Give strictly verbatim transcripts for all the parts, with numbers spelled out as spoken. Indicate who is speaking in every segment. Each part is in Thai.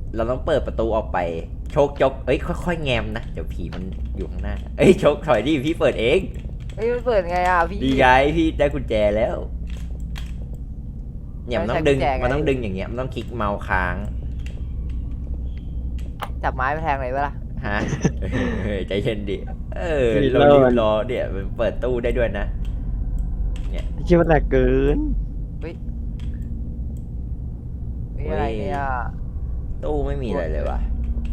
Speaker 1: เราต้องเปิดประตูออกไปโชคจกเอ้ยค่อยๆแงมนะเดี๋ยวผีมันอยู่ข้างหน้าเอ้ยโชคถอยดิพี่เปิดเอง
Speaker 2: เฮ้ยมันเปิดไงอ่ะพี่
Speaker 1: ดีไงพี่ได้กุญแจแล้วเนี่ยมันต้องดึง
Speaker 2: ไม่ใช่กุญแจไง
Speaker 1: มันต้องดึงอย่างเงี้ยมันต้องคลิกเมาส์ค้าง
Speaker 2: จับไม้ไปแทงเลยปะล่ะ
Speaker 1: ฮะเฮ้ยใจเย็นดิเออเรารีบรอเนี่ยมันเปิดตู้ได้ด้วยนะ
Speaker 3: คิดว่าแหลกเกิน
Speaker 2: นี่อะไรเนี่ย
Speaker 1: ตู้ไม่มีอะไรเลยวะ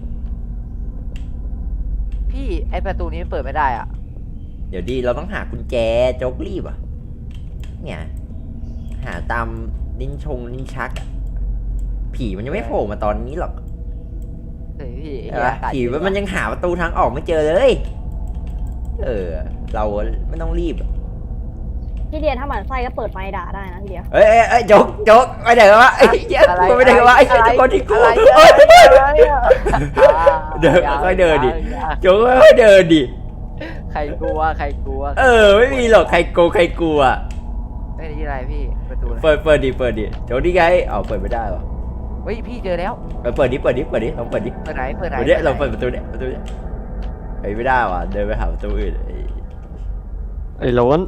Speaker 2: พี่ไอประตูนี้มันเปิดไม่ได้อ่ะ
Speaker 1: เดี๋ยวดีเราต้องหากุญแจโจ๊กรีบอ่ะเนี่ยหาตามลิ้นชงลิ้นชักอ่ะผีมันยังไม่โผล่มาตอนนี้หรอก
Speaker 2: เฮ้ยพี่
Speaker 1: ใช่ปะผีมันยังหาประตูทางออกไม่เจอเลย เออ เราไม่ต้องรีบ
Speaker 4: พี่เดียถ้าหมันไส้ก็เปิดไฟด่าได้นะพี่เดีย
Speaker 1: เอ้ยเอ้ยเอ้ยโจ๊กโจ๊กไปไหนกันวะไอ้เหี้ยกูไปไหนกันวะไอ้เหี้ยทุกคนที่กู
Speaker 2: อะไร
Speaker 1: เอ้ย
Speaker 2: อะไรอ่ะ
Speaker 1: เดินค่อยๆเดินดิ โจ๊กค่อยๆเดินดิ
Speaker 2: ใครกลัวใครกลัว
Speaker 1: เออไม่มีหรอกใครโกงใครกลัว
Speaker 2: เฮ้ยนี่อะไรพี่ประตูอะไร
Speaker 1: เปิดเปิดดิเปิดดิโจ๊กนี่ไงเอาเปิดไม่ได้หรอ
Speaker 2: เฮ้ยพี่เจอแล้ว
Speaker 1: เปิดเปิดดิเปิดดิเปิดดิลองเปิดดิ
Speaker 2: เปิดไหนเปิดไหน
Speaker 1: เปิดดิลองเปิดประตูเนี่ยประตูเนี่ยเฮ้ยไม่ได้ว่ะเดินไปหาประตูอื่นไอ้
Speaker 3: ไอ้โล้น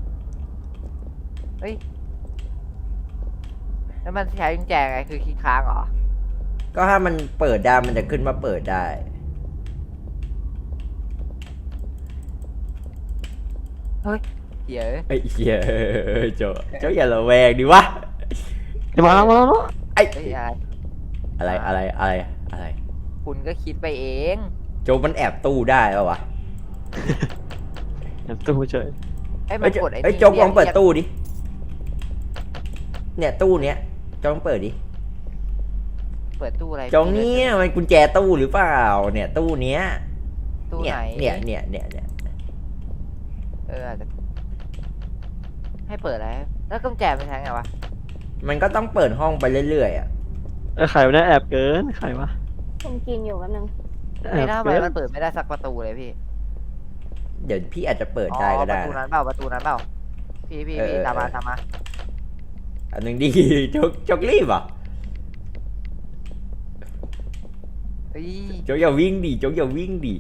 Speaker 2: แล้วมันใช้กุญแจไงคือคีย์ค้างเหรอ
Speaker 1: ก็ถ้ามันเปิดได้มันจะขึ้นมาเปิดได้
Speaker 2: เฮ้ยเดี๋ยว
Speaker 1: ไอ้เหี้ยโจ๊กโจ๊กอย่าระแวงดิวะ
Speaker 3: เดี๋ยวมาแล้วมาแล้ว
Speaker 1: ไอ้
Speaker 2: เฮ้ยอะไร
Speaker 1: อะไรอะไรอะไรอะไร
Speaker 2: คุณก็คิดไปเอง
Speaker 1: โจ๊กมันแอบตู้ได้ป่าวะ
Speaker 3: แอบตู้เฉย
Speaker 2: ไอ้ยมั
Speaker 1: เอ้
Speaker 2: น
Speaker 1: ยโจ๊ก
Speaker 2: กดไอ้
Speaker 1: เอ้ย
Speaker 2: นี่
Speaker 1: โจ๊กลองเปิด
Speaker 2: รียก
Speaker 1: ตู้ดิเนี่ยตู้เนี้ยโจ๊กลองเปิดดิ
Speaker 2: เปิดตู้อะไร
Speaker 1: โจ๊กเนี่ยมันกุญแจตู้หรือเปล่าเนี่ยตู้เนี้ย
Speaker 2: ตู้
Speaker 1: เนี่ย
Speaker 2: ไหน
Speaker 1: เนี่ยเนี่ยเนี่ยเนี่ย
Speaker 2: เอออาจจะให้เปิดอะไรแล้วกุญแจมันใช้ไงวะ
Speaker 1: มันก็ต้องเปิดห้องไปเรื่อยๆอ่ะ
Speaker 3: ไอ้ไข่วะเนี่ยแอบเกินไข่วะ
Speaker 4: ผมกินอยู่แป๊บนึง
Speaker 3: แอ
Speaker 2: ไม่
Speaker 3: บ
Speaker 2: น่าทำไม
Speaker 3: เกิน
Speaker 2: มันเปิดไม่ได้สักประตูเลยพี่
Speaker 1: เดี๋ยวพี่อาจจะเปิด
Speaker 2: อ๋อ
Speaker 1: ได้ก็
Speaker 2: ป
Speaker 1: ได้
Speaker 2: ระตูนั้
Speaker 1: นะ
Speaker 2: นเปล่าประตูนั้นเปล่าพี่พี่
Speaker 1: เออ
Speaker 2: พี่
Speaker 1: เออ
Speaker 2: ตามมา
Speaker 1: เออ
Speaker 2: ตามมา
Speaker 1: อันหนึ่งดี โจ๊กโจ๊กรีบอ่ะ
Speaker 2: เฮ้ย
Speaker 1: โจ๊กอย่าวิ่งดิโจ๊กอย่าวิ่งดิ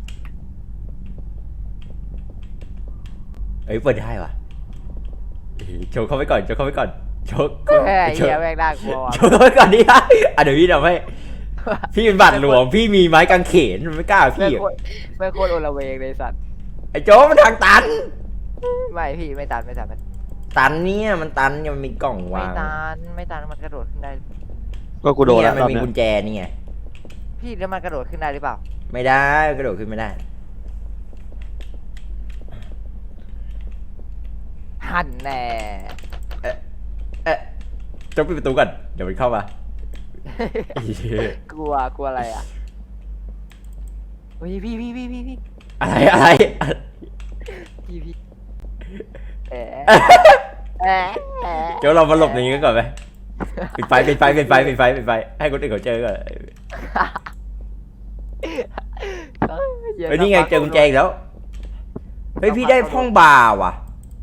Speaker 1: เอ้ยเปิดได้ว่ะเอ้ยโจ๊กเข้าไปก่อนโจ๊กเข้าไปก่อนโจ๊ก
Speaker 2: แค่ไอ้
Speaker 1: โจ๊ก
Speaker 2: เหี้ยแม่งน่ากลัวว่ะ
Speaker 1: โจ๊กเข้าไปก่อนดิฮะอ่ะเดี๋ยวพี่ทำให้พี่เป็นบัตรหลวงพี่มีไม้กางเขนมันไม่กล้า
Speaker 2: แม่
Speaker 1: พี่
Speaker 2: งโคตรแม่งโคตรโอละเวงเลยสัตว์
Speaker 1: ไอ้โจ๊กมันทางตัน
Speaker 2: ไม่พี่ไม่ตันไม่ตันไม่
Speaker 1: ตันเนี่ยมันตันเนี่ยมันมีกล่อง
Speaker 2: ไม่
Speaker 1: วาง
Speaker 2: ตันไม่ตันมันกระโดดขึ้นได้
Speaker 3: ก็กูโดน
Speaker 1: เนี่
Speaker 3: แล้
Speaker 1: ยว มัน
Speaker 3: ตอน
Speaker 1: มี
Speaker 3: เนี้ย
Speaker 1: กุญแจนี่ไง
Speaker 2: พี่แล้วมันกระโดดขึ้นได้หรือเปล่า
Speaker 1: ไม่ได้กระโดดขึ้นไม่ได้
Speaker 2: หันแน่
Speaker 1: เอ๊ะโจ๊กปิดประตูก่อนเดี๋ยวมันเข้ามา
Speaker 2: กลัวกลัวอะไรอ่ะเฮ้ยพี่พี่พี่พี่พี่
Speaker 1: อะไรอะไร
Speaker 2: พี่พี่แอะแอะแอะ
Speaker 1: เดี๋ยวเรามาหลบในนี้กันก่อนไหมปิดไฟปิดไฟปิดไฟปิดไฟปิดไฟให้คนอื่นเขาเจอก่อนเฮ้ยนี่ไงเจอกุญแจอีกแล้วเฮ้ยพี่ได้ห้องบาร์ว่ะ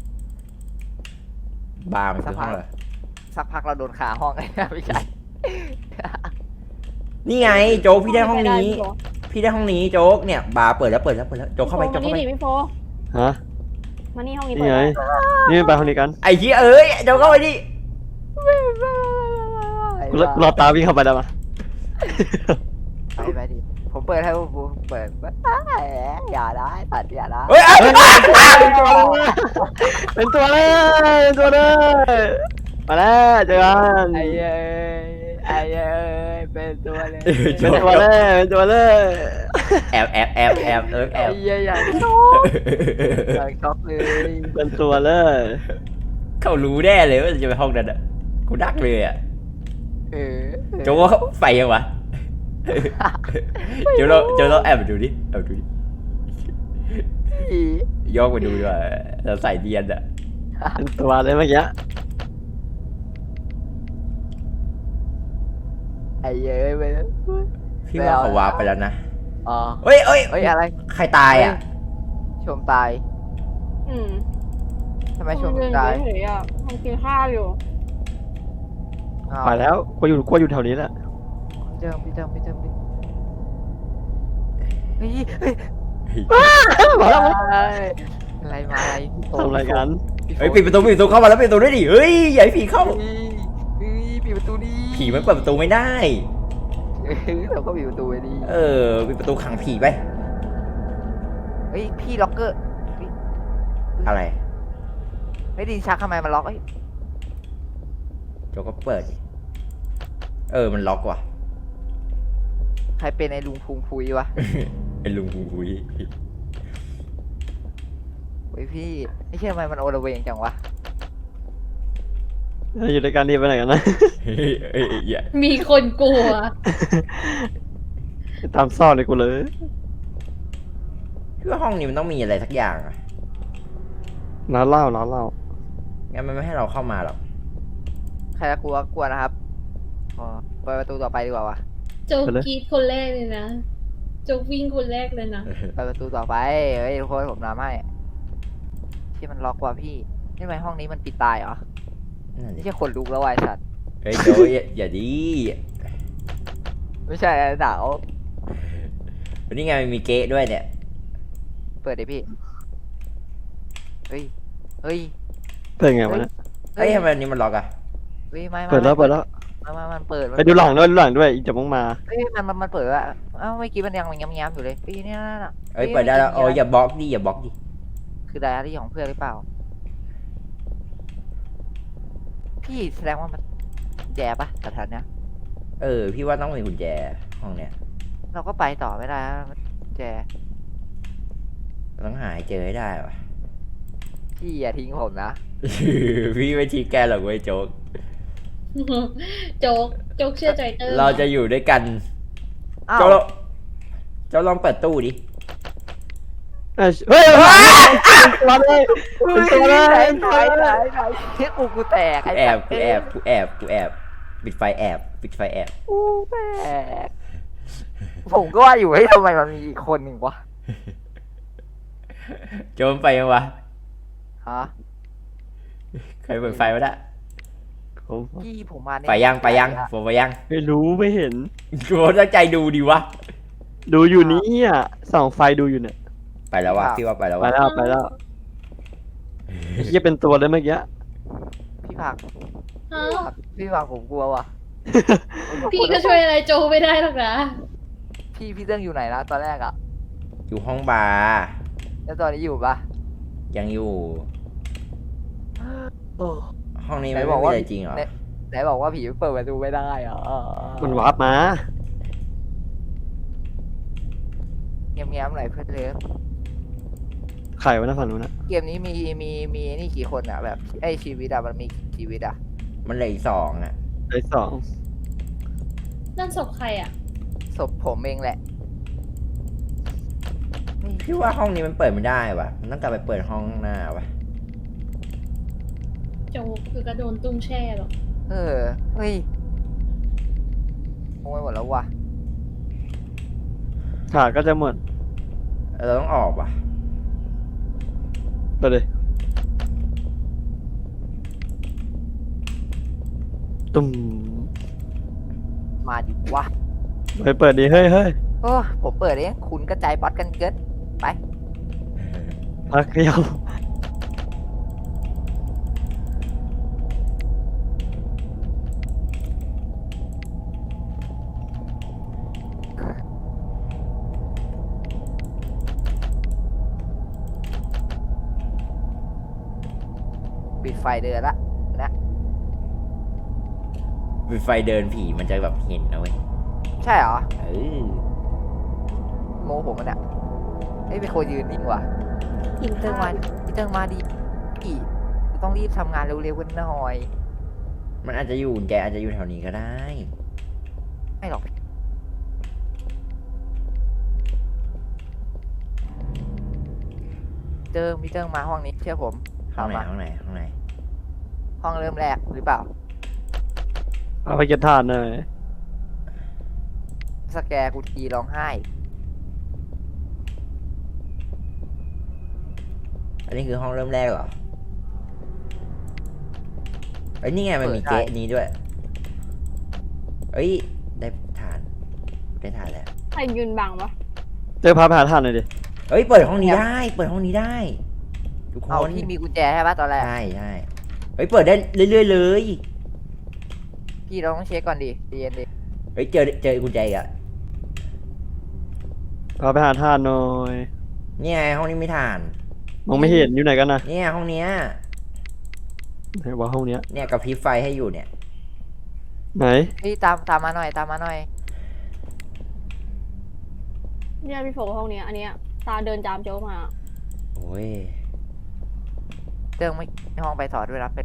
Speaker 1: บาร์มันคือห้องอะไร
Speaker 2: สักพักเราโดนขาห้องไอ้ไม่ใช่
Speaker 1: นี่ไงโจ๊กพี่ได้ห้องนี้
Speaker 4: พี่โฟ
Speaker 1: พี่ได้ห้องนี้โจ๊กเนี่ยบาร์เปิดแล้วเปิดแล้วเปิดแล้วโจ๊กเข้าไป
Speaker 4: พี่โฟ
Speaker 1: โจ๊ก
Speaker 4: มา
Speaker 1: เข้าไป
Speaker 4: นี่ดิพี่โฟ
Speaker 3: ฮะ
Speaker 4: มานี่ห้องนี้
Speaker 3: นี่
Speaker 4: เปิด
Speaker 3: ไง
Speaker 4: แล้ว
Speaker 3: นี่ไปห้องนี้กัน
Speaker 1: ไอ้เหี้ยเอ้ยโจ๊กเข้าไปดิ
Speaker 3: กูรอรอตาวิ่งเข้าไปได้ปะ
Speaker 2: ไปไปดิผมเปิดให้ผมเปิดอย่าได้ตัดอย่าได้
Speaker 1: เฮ้ย
Speaker 3: เป็นตัวเลยเป็นตัวเลยมาแล้วเจอกัน
Speaker 2: ไอ้เอ้ยไอ้เอ้ยเป็นตัวเลย
Speaker 3: เป็นตัวเลยเป็นตัวเลย
Speaker 1: แอบแอบแอบแอบเออแอ
Speaker 2: ไอ้
Speaker 1: บ
Speaker 2: เอ้ยอย่าช็อย่าช็อกเลย
Speaker 3: เป็นตัวเลย
Speaker 1: เขารู้แน่เลยว่าจะไปห้องนั้นอ่ะกูดักเลยอ่ะ
Speaker 2: เออ
Speaker 1: โจ๊กว่าเขาไฟยังวะโจ๊กเราโจ๊กเราแอบไปดูดิแอบดูดิย่องไปดูดีกว่าเราใส่เดียนอ่ะ
Speaker 3: เป็นตัวเลยเมื่อกี้
Speaker 2: ไอ้เอ้ยไปแล้ว
Speaker 1: พี่ว่าเขาวาร์ปไปแล้วนะ
Speaker 2: อ๋อ
Speaker 1: เฮ้ยเฮ้ย
Speaker 2: เฮ้ยอะไร
Speaker 1: ใครตายอ่ะ
Speaker 2: ชมตาย
Speaker 4: อืม
Speaker 2: ทำไมชม
Speaker 4: ยืน
Speaker 2: ตาย
Speaker 4: เฉยๆอ่ะทำกินข้าวอยู่
Speaker 2: อ้าว
Speaker 3: ไปแล้วกูอยู่กูอยู่แถวนี้แหละ
Speaker 2: ทเจิมพี่เจิมพี่เจิมพี่เฮ้ยเฮ้ย
Speaker 3: มาแล้ว
Speaker 2: อะไรมาอะไรพี่โต
Speaker 3: ทำอะไรกัน
Speaker 2: พี่โ
Speaker 1: เฮ้ยปิดประตูปิดประตูเข้ามาแล้วปิดประตูด้วยดิเฮ้ยอย่าให้ผีเข้า
Speaker 2: เฮ้ยเฮ้ยปิดประตูดิ
Speaker 1: ผีมันเปิดประตูไม่ได้
Speaker 2: เฮ้ยเราก็ปิดประตูไว้ดิ
Speaker 1: เออปิดประตูขังผีไป
Speaker 2: เฮ้ยพี่ล็อกเกอร์เฮ้ย
Speaker 1: อะไร
Speaker 2: เฮ้ยดินชักทำไมมันล็อกเฮ้ย
Speaker 1: โจกก็เปิดดิเออมันล็อกว่ะ
Speaker 2: ใครเป็นไอ้ลุงพุงพุยวะ
Speaker 1: ไอ้ลุงอุ้ย
Speaker 2: เฮ้ยพี่ไม่ใช่ทำไมมันโอละเวงจังวะ
Speaker 3: อยู่ในการดีไปไหนกันนะ
Speaker 1: เฮ้ยเฮ้ยอย่า
Speaker 4: มีคนกลัว
Speaker 3: ตามซ่อนเลยกูเลย
Speaker 1: คือห้องนี้มันต้องมีอะไรสักอย่างอะ
Speaker 3: น้าเล่าน้าเล่า
Speaker 1: งั้นมันไม่ให้เราเข้ามาหรอก
Speaker 2: ใครจะกลัวกลัวนะครับอ๋อเปิดประตูต่อไปดีกว่าวะ
Speaker 4: โจกกรีดคนแรกเลยนะโจกวิ่งคนแรกเลยนะ
Speaker 2: เปิดประตูต่อไปเฮ้ยทุกคนผมนำให้ที่มันล็อกว่ะพี่นี่ทำไมห้องนี้มันปิดตายเหรอ
Speaker 1: นั่นดิ
Speaker 2: ไม่ใช่คนลุกแล้ววะไอ้สัตว์
Speaker 1: เฮ้ยโจอย่าอย่าดี
Speaker 2: ไม่ใช่หนาว
Speaker 1: วันนี้ไงมันมีเก๊ะด้วยเนี่ย
Speaker 2: เปิดดิพี่เฮ้ยเฮ้ย
Speaker 3: เป็นไงวะเนี่ย
Speaker 1: เฮ้ยทำไมอันนี้มันล็อกอะ
Speaker 2: เฮ้ยไม่ไม่
Speaker 3: เปิดแล้วเปิดแล้ว
Speaker 2: ไม่ไม่มันเปิดมัน
Speaker 3: ไปดูหลังด้วยดูหลังด้วยอีกจะมึงมา
Speaker 2: เฮ้ยมันมันมันเปิดอะเอ้าเมื่อกี้มันยังมันย้ำๆอยู่เลยพี่เนี่ยน่ะ
Speaker 1: เอ้ยเปิดได้แล้วโอ้ยอย่าบล็อกดิอย่าบล็อกดิ
Speaker 2: คือไดอารี่ของเพื่อนหรือเปล่า พี่แสดงว่ามันแย่ปะสถานเนี้ย
Speaker 1: เออพี่ว่าต้องมีกุญแจห้องเนี้ย
Speaker 2: เราก็ไปต่อไม่ได้นะมันแย่
Speaker 1: ต้องหาให้เจอให้ได้วะ
Speaker 2: พี่อย่าทิ้งผมนะ
Speaker 1: พี่ไม่ชี้แกหรอกเว้ยโจ๊ก
Speaker 4: โจกโจกเชื่อใจเตอร์
Speaker 1: เราจะอยู่ด้วยกัน
Speaker 2: อ้าว
Speaker 1: โจ๊กโจ๊กลองเปิดตู้ดิ
Speaker 3: เฮ้ยเฮ้ยตัวเลย
Speaker 2: เฮ้ย
Speaker 3: ตัวเล
Speaker 2: ไหน
Speaker 3: ย
Speaker 2: ไหนไหนไหนเช็คกูกูแตก
Speaker 1: กูแอบกูแอบกูแอบกูแอบปิดไฟแอบปิดไฟแอบ
Speaker 2: กูแตกผมก็ว่าอยู่เฮ้ยทำไมมันมีอีกคนหนึ่งวะ
Speaker 1: โจมไปยังวะ
Speaker 2: ฮะ
Speaker 1: ใครเปิดไฟวะน่ะ
Speaker 2: พี่ผมมาเนี่ย
Speaker 1: ไปยังไปยังโฟไปยัง
Speaker 3: ไม่รู้ไม่เห็น
Speaker 1: กูตั้งใจดูดิวะ
Speaker 3: ดูอยู่นี่อ่ะส่องไฟดูอยู่เนี่ย
Speaker 1: ไปแล้ววะพี่ว่าไปแล้ว
Speaker 3: ไป
Speaker 1: วะ
Speaker 3: แล้วไปแล้วเฮียเป็นตัวเลยเมื่อกี้
Speaker 2: พี่ผัก
Speaker 4: ฮะ
Speaker 2: พี่ผักผมกลัวว่ะ
Speaker 4: พี่ก็ช่วยอะไรโจไม่ได้หรอกนะ
Speaker 2: พี่พี่เรื่องอยู่ไหนนะตอนแรกอะ
Speaker 1: อยู่ห้องบาร์
Speaker 2: แล้วตอนนี้อยู่ปะ
Speaker 1: ยังอยู่
Speaker 2: โอ้
Speaker 1: ห้องนี้
Speaker 2: ไหน
Speaker 1: ไม่
Speaker 2: บอก
Speaker 1: มี
Speaker 2: ว่า
Speaker 1: อะไรจริงเหรอ
Speaker 2: ไหนไหนบอกว่าผีเปิดประตูไม่ได้เหรอ
Speaker 3: มันวาร์ปมา
Speaker 2: เงียบๆหน่อยเพื่อนเลิฟ
Speaker 3: ไข่ไว้นะฝั่งนู้นนะ
Speaker 2: เกมนี้มีมีมีนี่กี่คนอะแบบไอชีวิตอะมันมีกี่ชีวิตอะ
Speaker 1: มันเหลืออีกสองอ่ะ
Speaker 3: ไอ้สอง
Speaker 4: นั่นศพใครอ่ะ
Speaker 2: ศพผมเองแหละนี่
Speaker 1: พี่ว่าห้องนี้มันเปิดไม่ได้วะมันต้องกลับไปเปิดห้องข้างหน้าวะ
Speaker 4: โจกคือกระโดนตุ้งแช่หรอก
Speaker 2: เออเฮ้ยโอ้ยหมดแล้วว่ะ
Speaker 3: ขาก็จะหมด
Speaker 1: เราต้องออกว่ะ
Speaker 3: ไปเลยตุ้ม
Speaker 2: มาดิวะ
Speaker 3: ไปเปิดดีเฮ้ยเฮ้ย
Speaker 2: โอ้ผมเปิดเองคุณกระจายบอสกันเกินไป
Speaker 3: พักเดียว
Speaker 2: ปิดไฟเดินละนะ
Speaker 1: ปิดไฟเดินผีมันจะแบบเห็นนะเว้ย
Speaker 2: ใช่เหรอ
Speaker 1: เออ
Speaker 2: โมผมมันอะเฮ้ยเป็นคนยืนนิ่งว่ะพี่เติงมาพี่เติงมาดิพี่ต้องรีบทำงานเร็วๆกันหน่อย
Speaker 1: มันอาจจะอยู่แกอาจจะอยู่แถวนี้ก็ได้
Speaker 2: ไม่หรอกเติงพี่เติงมาห้องนี้เชื่อผม
Speaker 1: ห้องไหน
Speaker 2: มา
Speaker 1: ห้องไหนห้องไหน
Speaker 2: ห้องเริ่มแรกหรือเปล่า
Speaker 3: เอาไปเก็บถ่านหน่อย
Speaker 2: สแกร์กูทีร้องไห้
Speaker 1: อันนี้คือห้องเริ่มแรกเหรอเอ้ยนี่ไงมันมีเก๊ะนี้ด้วย เอ้ยได้ฐานได้ถ่ายแล้ว
Speaker 4: ใครยืนบังวะ
Speaker 3: เจอพาไปหาท่านหน่อยดิ
Speaker 1: เฮ้ยเปิดห้องนี้ได้ เปิดห้องนี้ได้ ทุกค
Speaker 2: เอา
Speaker 1: น
Speaker 2: พี่มีกุญแจใช่ปะตอนแรก
Speaker 1: ใช่ใช่เฮ้ยเปิดได้เรื่อยๆเลย
Speaker 2: พี่เราต้องเช็คก่อนดิใจเย็นดิ
Speaker 1: เฮ้ยเจอเจอกุญแจอีกอะ
Speaker 3: พาไปหาท่านหน่อย
Speaker 1: เนี่ยห้องนี้ไม่ถ่าน
Speaker 3: มองไม่เห็นอยู่ไหนกันนะ
Speaker 1: เนี่ยห้องเนี้ย
Speaker 3: ไหนว่าห้องเนี้ย
Speaker 1: เนี่ยกระพริบไฟให้อยู่เนี่ย
Speaker 3: ไหน
Speaker 2: พี่ตามตามมาหน่อยตามมาหน่อย
Speaker 4: เนี่ยพี่โฟห้องเนี้ยอันเนี้ยตาเดินจามโจ๊กมา
Speaker 1: โอ้ย
Speaker 2: เติงไม่ห้องไปถอดด้วยนะเป็น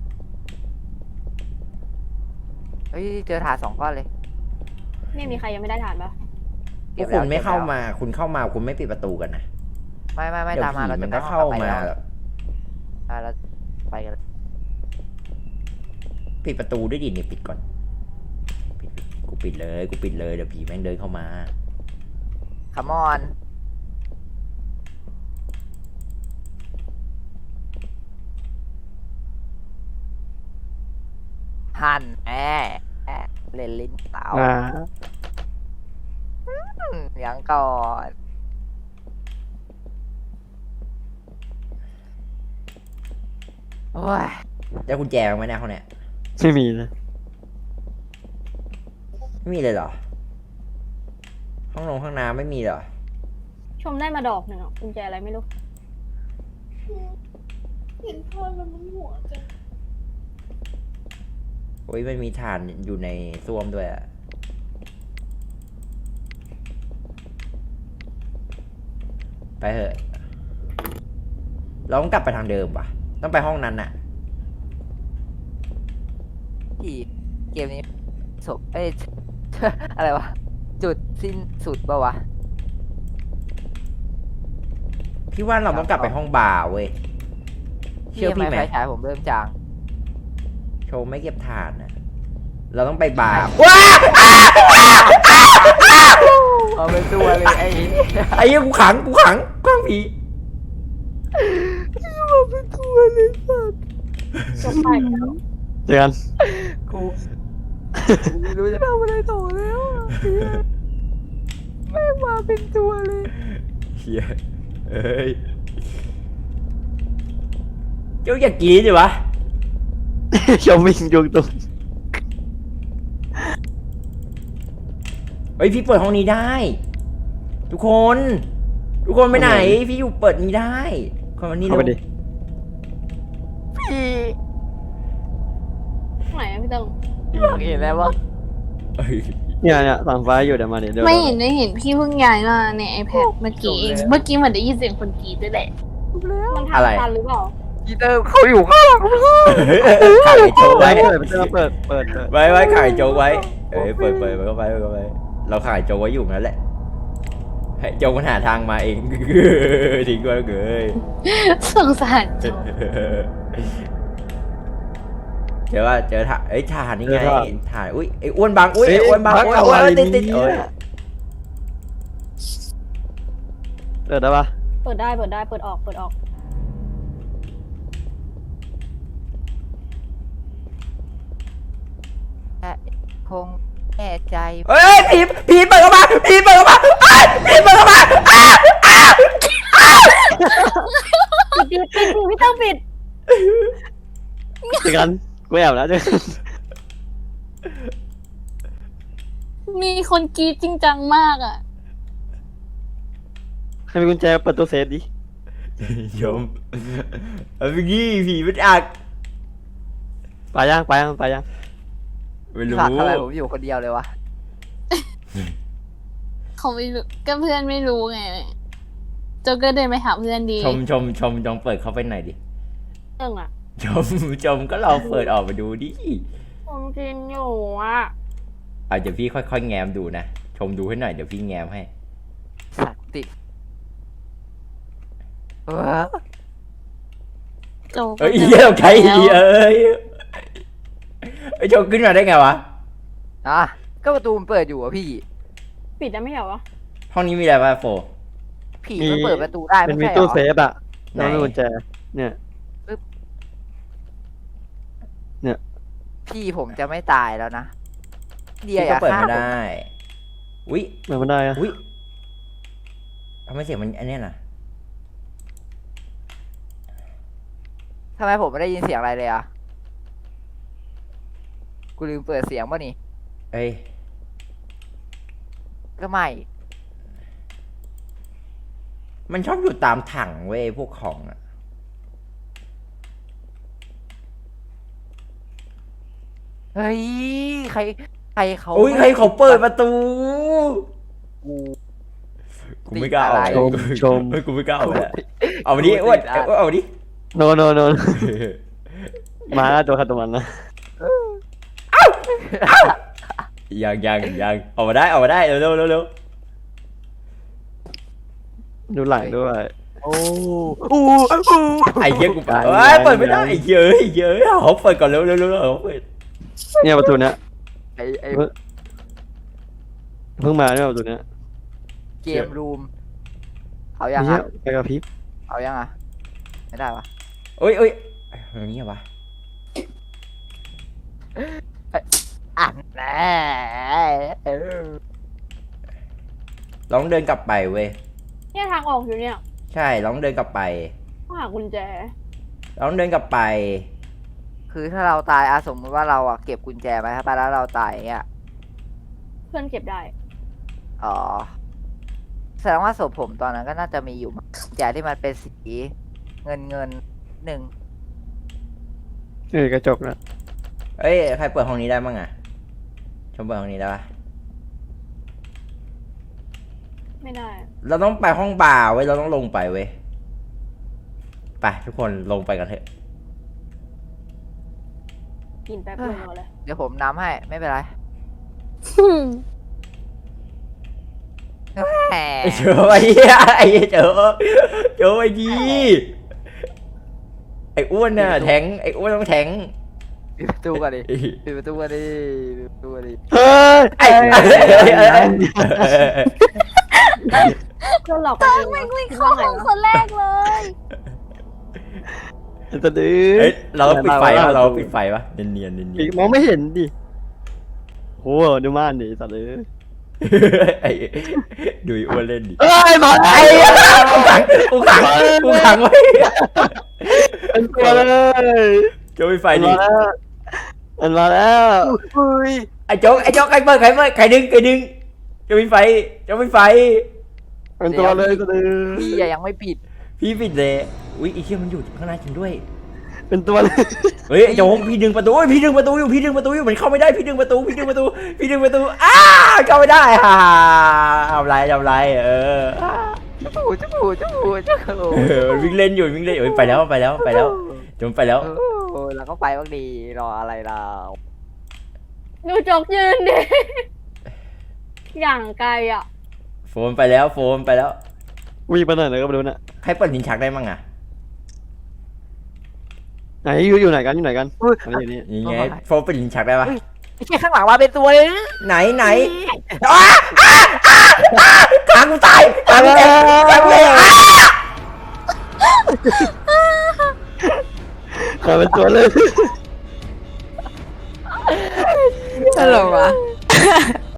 Speaker 2: เฮ้ยเจอถาดสองก้อนเลย
Speaker 4: เนี่ยมีใครยังไม่ได้ทานปะ
Speaker 1: พวกคุณไม่เข้ามา คุณเข้ามาคุณไม่ปิดประตูกันนะ
Speaker 2: ไม่ไม่ไม่
Speaker 1: เดี๋ยว
Speaker 2: ตามมา
Speaker 1: ผี
Speaker 2: เรา
Speaker 1: มั
Speaker 2: จะ
Speaker 1: น
Speaker 2: ไป
Speaker 1: ก็
Speaker 2: ห้อง
Speaker 1: เข้า
Speaker 2: ต่อไป
Speaker 1: มา
Speaker 2: แล้วอ่ะเราไปกันเลย
Speaker 1: ปิดประตูด้วยดิเนี่ยปิดก่อนปิดปิดกูปิดเลยกูปิดเลยเดี๋ยวผีแม่งเดินเข้ามา
Speaker 2: คัมอนหันแอะแอะเล่นลิ้นเตา
Speaker 3: อ่า
Speaker 2: อืมยังก่อนโอ้ย
Speaker 1: ได้กุญแจไหมเนี่ยเขาเนี่ย
Speaker 3: ไม่มีนะ
Speaker 1: ไม่มีเลยเหรอ ห้องนงห้องน้ำไม่มีเหรอ
Speaker 4: ชมได้มาดอกหนึ่งอ่ะกุญแจอะไรไม่รู้
Speaker 5: เห็นพ่อแล้วมันหัวจัง
Speaker 1: โอ้ยมันมีถ่านอยู่ในส้วมด้วยอะไปเถอะ เราต้องกลับไปทางเดิมป่ะ ต้องไปห้องนั้นน่ะ
Speaker 2: ที่เกมนี้ศพเอ้ย อะไรวะ จุดสิ้นสุดปะวะ
Speaker 1: พี่ว่าเราต้องกลับไปห้องบาร์เว้ย เชื่อพี่ไหม
Speaker 2: ไฟฉายผมเริ่มจาง
Speaker 1: โชว์ไม่เก็บถ่านนะเราต้องไปบาร์
Speaker 2: เอาเป็นตัวเลยไอ้
Speaker 1: ไอ้เหี้ยกูขังกูขังกล้องผี
Speaker 2: เอาเป็นตัวเลยสัตว์
Speaker 4: จบไปแล้ว
Speaker 3: เจอกัน
Speaker 2: กูกูไม่รู้จะทำอะไรต่อแล้วอะแม่งมาเป็นตัวเลย
Speaker 1: เฮียเอ้ยเจ้าอยากกินดิวะ
Speaker 3: ชมวิ่งยุงตรง
Speaker 1: เฮ้ยพี่เปิดห้องนี้ได้ ทุกคน ทุกคนไปไหน พี่อยู่เปิดนี้ได้คนวันนี้
Speaker 3: เข้าไปดิ
Speaker 2: พี่
Speaker 4: ไหนอะพี่เติง
Speaker 2: พี่อยากเห็นแล้วว่า
Speaker 1: เอ้ย
Speaker 3: เนี่ยเนี่ยสั่งไฟอยู่เดี๋ยวมาเดี๋ยวเดี๋ยว
Speaker 5: ไม่เห็นได้เห็นพี่เพิ่งย้ายมาใน iPad เมื่อกี้เอง เมื่อกี้เหมือนได้ยินเสียงคนกรีดด้วยแหละ
Speaker 4: มันทำทันหรือเปล่า
Speaker 2: กีเตอร์เขาอยู่ข้างหลังพี่
Speaker 1: ขายโจ๊ก
Speaker 3: ไว้
Speaker 1: ไว้
Speaker 3: เปิดเปิดเปิดเปิดเปิด
Speaker 1: ไว้ไว้ขายโจ๊กไว้ เอ้ยเปิดเปิดเปิดเข้าไปเปิดเข้าไป เราขายโจ๊กไว้อยู่นั่นแหละ ให้โจ๊กมันหาทางมาเอง ทิ้งไว้เลย
Speaker 5: สงสารโจ
Speaker 1: เจอว่าเจอถ่านเอ้ยถ่านนี่ไงถ่านอุ้ยไอ้อ้วนบางอุ้ยไอ้อ้วนบางอ้วนอ้วนติดติดเอ้ย
Speaker 3: เปิดได้ปะ
Speaker 4: เปิดได้เปิดได้เปิดออกเปิดออก
Speaker 2: คงแน่ใจ
Speaker 1: เฮ้ยผีผีเปิดเข้ามาผีเปิดเข้ามาอ้าวผีเปิดเข้ามาอ้าวอ้าว
Speaker 4: ปิดปิดปิดพี่เติงปิด
Speaker 3: เจอกันกูแอบแล้วเจอกัน
Speaker 5: มีคนกรีดจริงจังมากอ่ะ
Speaker 3: ให้มีกุญแจเปิดตู้เซฟดิ
Speaker 1: ยมเอาไปกี้ผีมันอัก
Speaker 3: ไปยังไปยังไปยัง
Speaker 1: ไม่รู้
Speaker 2: ฝากทำไมผมอยู่คนเดียวเลยวะ
Speaker 5: เขาไม่รู้ก็เพื่อนไม่รู้ไงโจก็เดินไปหาเพื่อนดี
Speaker 1: ชมชมชมลองเปิดเข้าไปหน่อยดิ
Speaker 4: เติงอ่ะ
Speaker 1: ชมชมก็ลองเปิดออกมาดูดิ
Speaker 4: ผมกินอยู่อ่ะ
Speaker 1: เอาเดี๋ยวพี่ค่อยๆแง้มดูนะชมดูให้หน่อยเดี๋ยวพี่แง้มให้
Speaker 2: สัตว์ติดเออ
Speaker 5: โจก็
Speaker 1: เอ้ย
Speaker 5: ดิน
Speaker 1: เหี้ยใคร
Speaker 5: แล้ว
Speaker 1: เอ้ยไอ้ยชมขึ้นมาได้ไงวะ
Speaker 2: อ่ะก็ประตูมันเปิดอยู่อะพี่
Speaker 4: ปิดได้ไม่เหรอวะ
Speaker 1: ห้องนี้มีอะไรบ้างโฟ
Speaker 2: ผีมันเปิดประตูได้
Speaker 3: มัน
Speaker 2: ไม่
Speaker 3: มี
Speaker 2: ใช่เหร
Speaker 3: ตู้
Speaker 2: อ
Speaker 3: เซฟอ่ะ
Speaker 1: ไหน
Speaker 3: แล้วมีกุญแจเนี่ย
Speaker 2: พี่ผมจะไม่ตายแล้วนะเดีย
Speaker 1: พี่
Speaker 2: อ
Speaker 1: ก็
Speaker 2: ย่า
Speaker 1: เปิด
Speaker 2: ฆ่า
Speaker 1: ไม่
Speaker 2: ผม
Speaker 1: ได้อุ้ย
Speaker 3: เหมือนมันได้อะ
Speaker 1: อุ้ยทำไมเสียงมันอันเนี้ยน่ะ
Speaker 2: ทำไมผมไม่ได้ยินเสียงอะไรเลยอ่ะกูลืมเปิดเสียงป่ะนี่
Speaker 1: เอ้ย
Speaker 2: ก็ไม่
Speaker 1: มันชอบอยู่ตามถังเว้ยพวกของอะ
Speaker 2: เฮ้ยใครใครเขา
Speaker 1: อุ้ยใครเขาเปิดประตู
Speaker 2: กู
Speaker 1: กูไม่กล้าเอา
Speaker 2: ติดอะไร
Speaker 3: ชมชม
Speaker 1: เฮ้ยกูไม่กล้าเอาเลยเอามาดิอ้วนเอาเอามาดิ
Speaker 3: โนโนโนมาแล้วตัวขัดตัวมันนะ
Speaker 1: ยังยังยังเอามาได้เอามาได้เร็วเร็วเร็วเร็ว
Speaker 3: ดูหลังด้วย
Speaker 2: โอ้โอ้โอ้
Speaker 1: ไอ้เหี้ยกู
Speaker 3: ยัง
Speaker 1: เอ้ย
Speaker 3: ยัง
Speaker 1: เปิดไม่ได้
Speaker 3: ยัง
Speaker 1: ไอ้เหี้ยเอ้ยเหี้ยเอ้ยเขาเปิดก่อนเร็วเร็วเร็วเร็วเขาเปิด
Speaker 3: เนี่ยประตูเนี้ย
Speaker 2: ไอไอ
Speaker 3: เพิ่งมาเนี่ยประตูเนี้ย
Speaker 2: เกมรูมเอายัง
Speaker 3: เนี่ย
Speaker 2: อ่ะ
Speaker 3: ไปกับพริบ
Speaker 2: เอายังอ่ะไม่ได้ปะ
Speaker 1: เอ้ยเอ้ยอย่างนี้เหรอวะ
Speaker 2: อ่ะแน่เออ
Speaker 1: ลองเดินกลับไปเว้ย
Speaker 4: เนี่ยทางออกอยู่เนี่ย
Speaker 1: ใช่ลองเดินกลับไป
Speaker 4: ต้องหากุญแจ
Speaker 1: ลองเดินกลับไป
Speaker 2: คือถ้าเราตายอะสมมติว่าเราอะเก็บกุญแจไว้ถ้าไปแล้วเราตายอย่างเงี้ย
Speaker 4: เพื่อนเก็บได้
Speaker 2: อ๋อแสดงว่าศพผมตอนนั้นก็น่าจะมีอยู่มั้งกุญแจที่มันเป็นสีเงินเงินหนึ่ง
Speaker 3: เออกระจกนะ
Speaker 1: เอ้ยใครเปิดห้องนี้ได้บ้างอะชมเปิดห้องนี้ได้ปะ
Speaker 4: ไม่ได้
Speaker 1: เราต้องไปห้องบาร์เว้ยเราต้องลงไปเว้ยไปทุกคนลงไปกันเถอะ
Speaker 4: กินแป๊บเดียวเลย
Speaker 2: เดี๋ยวผมน้ำให้ไม่เป็นไรแหม
Speaker 1: ไอ้เจอไอ้เหี้ยไอ้เจอเจอไอ้ดีไอ้อ้วนน่ะแทงไอ้อ้วนต้องแทง
Speaker 2: ปิดประตูก่อนดิปิดประตูก่อนดิปิดประตูก่อนดิ
Speaker 3: เฮ้ย
Speaker 1: ไอ้ไอ้ไอ้
Speaker 4: เพื่อนหลอกกันเอง
Speaker 5: ไม่วิ่งเข้าห้องคนแรกเลย
Speaker 3: จะดื้อ
Speaker 1: เอ้ยเราปิดไฟปะเราปิดไฟปะเนียนเนียนเนียน
Speaker 3: อีกมองไม่เห็นดิโหดูม่านดิสัตว์เลย
Speaker 1: ไอ้ดูไอ้อ้วนเล่นดิ
Speaker 3: เอ้ยมา
Speaker 1: ไอ้กูขังกูขังกูขังไว้
Speaker 3: เป็นตัวเลย
Speaker 1: โจ๊กปิดไฟ
Speaker 3: มัน
Speaker 1: ดิ
Speaker 3: มาแล้วมันมาแล้ว
Speaker 2: อุ้ย
Speaker 1: ไอ้โจ๊กไอ้โจ๊กใครเปิดใครเปิดใครดึงใครดึงโจ๊กปิดไฟโจ๊กปิดไฟ
Speaker 3: เป็นตัวเลยตัวดื้อ
Speaker 2: พี่อะยังไม่ปิด
Speaker 1: พี่ปิดเลยอุ้ยไอ้เชี่ยมันอยู่ข้างในจริงด้วย
Speaker 3: เป็นตัวเลย
Speaker 1: เฮ้ยไอ้โจ๊กพี่ดึงประตูเฮ้ยพี่ดึงประตูอยู่พี่ดึงประตูอยู่มันเข้าไม่ได้พี่ดึงประตูพี่ดึงประตูพี่ดึงประตูอ้าเข้าไม่ได้ฮ่าทำไรทำไรเออ
Speaker 2: จุ๊บจุ๊บจุ๊บจุ๊บ
Speaker 1: เออมันวิ่งเล่นอยู่วิ่งเล่นอยู่เฮ้ยไปแล้วไปแล้วไปแล้วจนไปแล้ว
Speaker 2: โอ้ยแล้วก็ไปบ้างดีรออะไรเรา
Speaker 4: ดูจกยืนดิ อย่างไกลอ่ะ
Speaker 1: โฟนไปแล้วโฟนไปแล้ว
Speaker 3: วิ่งไปไหนเลยก็ไม่รู้น่ะ
Speaker 1: ใครเปิดลิ้นชักได้มั่งอ่ะ
Speaker 3: ไหนอยู่อยู่ไหนกันอยู่ไหนกันอันนี้อยู่นี่
Speaker 1: ยังไงโฟนเปิดลิ้นชักได้ปะ
Speaker 2: ไอ้แค่ข้างหลังมาเป็นตัวเลย
Speaker 1: ไหนไหนอ้าอ้าอ้าอ้าขากูตายขากูเจ็บขากูเจ็บอ้า
Speaker 3: มาเป็นตัวเลย